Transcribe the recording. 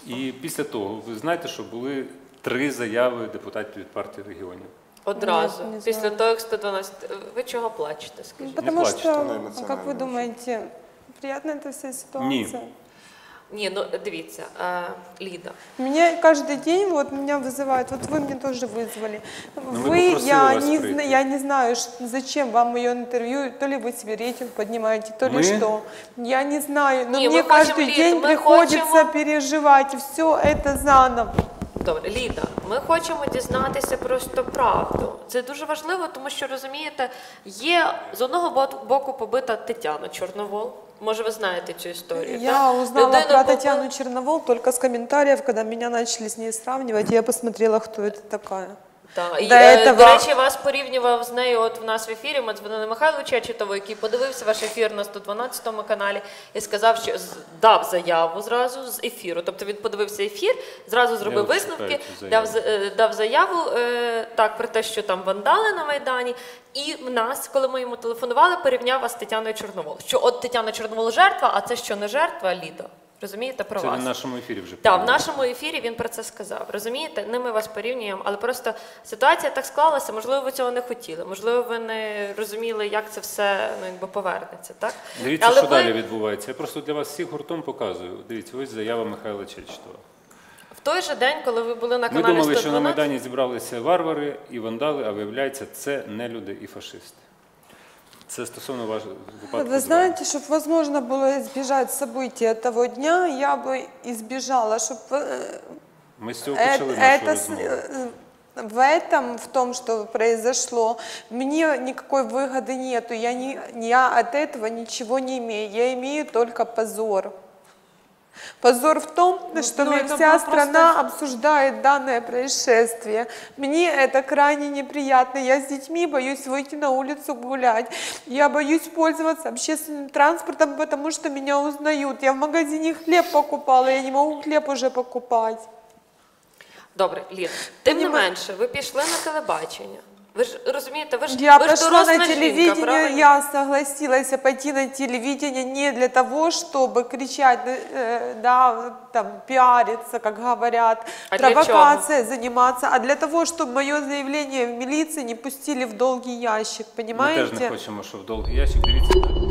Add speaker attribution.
Speaker 1: І після того, ви знаєте, що були 3 заяви депутатів від партії регіонів.
Speaker 2: Одразу,
Speaker 3: Не
Speaker 2: після того, як 112. Ви чого плачете, скажіть?
Speaker 3: Потому
Speaker 1: плачьте,
Speaker 3: что, как вы думаете, приятна эта вся ситуация?
Speaker 2: Ні, ну дивіться, Ліда.
Speaker 3: Меня каждый день вот меня вызывают, вот вы мне тоже вызвали. Я не знаю, зачем вам мое интервью, то ли вы себе рейтинг поднимаете, то ли что. Я не знаю, но мне каждый день приходится переживать все это заново.
Speaker 2: Добре, Ліда, ми хочемо дізнатися просто правду. Це дуже важливо, тому що, розумієте, є з одного боку побита Тетяна Чорновол. Може, ви знаєте цю історію?
Speaker 3: Я узнала про Татьяну Черновол только с комментариев, когда меня начали с ней сравнивать, я посмотрела, кто это такая.
Speaker 2: Так, і, до речі, вас порівнював з нею от в нас в ефірі, ми дзвонили Михайлу Чечетову, який подивився ваш ефір на 112 каналі і сказав, що дав заяву зразу з ефіру. Тобто він подивився ефір, зразу зробив висновки, дав заяву так, про те, що там вандали на Майдані. І в нас, коли ми йому телефонували, порівняв вас з Тетяною Чорновол. Що от Тетяна Чорновол жертва, а це що не жертва, Лідо? Розумієте, про вас?
Speaker 1: Це в нашому ефірі вже.
Speaker 2: Так, в нашому ефірі він про це сказав. Розумієте? Не ми вас порівнюємо, але просто ситуація так склалася, можливо, ви цього не хотіли, можливо, ви не розуміли, як це все повернеться, так?
Speaker 1: Дивіться, що далі відбувається. Я просто для вас всіх гуртом показую. Дивіться, ось заява Михайла Чечетова.
Speaker 2: В той же день, коли ви були на каналі 112...
Speaker 1: Ми думали, що на Майдані зібралися варвари і вандали, а виявляється, це нелюди і фашисти. Це стосовно вашого випадку.
Speaker 3: Вы знаете, чтобы возможно было избежать события того дня, я бы избежала, чтобы...
Speaker 1: Мы с цього почали нашу розмову.
Speaker 3: В этом, в том, что произошло, мне никакой выгоды нету, я от этого ничего не имею, я имею только позор. Позор в том, что вся страна обсуждает данное происшествие. Мне это крайне неприятно. Я с детьми боюсь выйти на улицу гулять. Я боюсь пользоваться общественным транспортом, потому что меня узнают. Я в магазине хлеб покупала, я не могу хлеб уже покупать.
Speaker 2: Добре, Лід, тим не менше, ви пішли на телебачення. Ви ж розумієте, ви ж
Speaker 3: я пошла
Speaker 2: доросла
Speaker 3: на телевидение,
Speaker 2: жінка, правильно?
Speaker 3: я согласилась пойти на телевидение не для того, чтобы кричать, да, там, пиариться, как говорят, провокацией заниматься, а для того, чтобы мое заявление в милиции не пустили в долгий ящик, понимаете?
Speaker 1: Ми теж не хочемо, що в довгий ящик. Дивіться.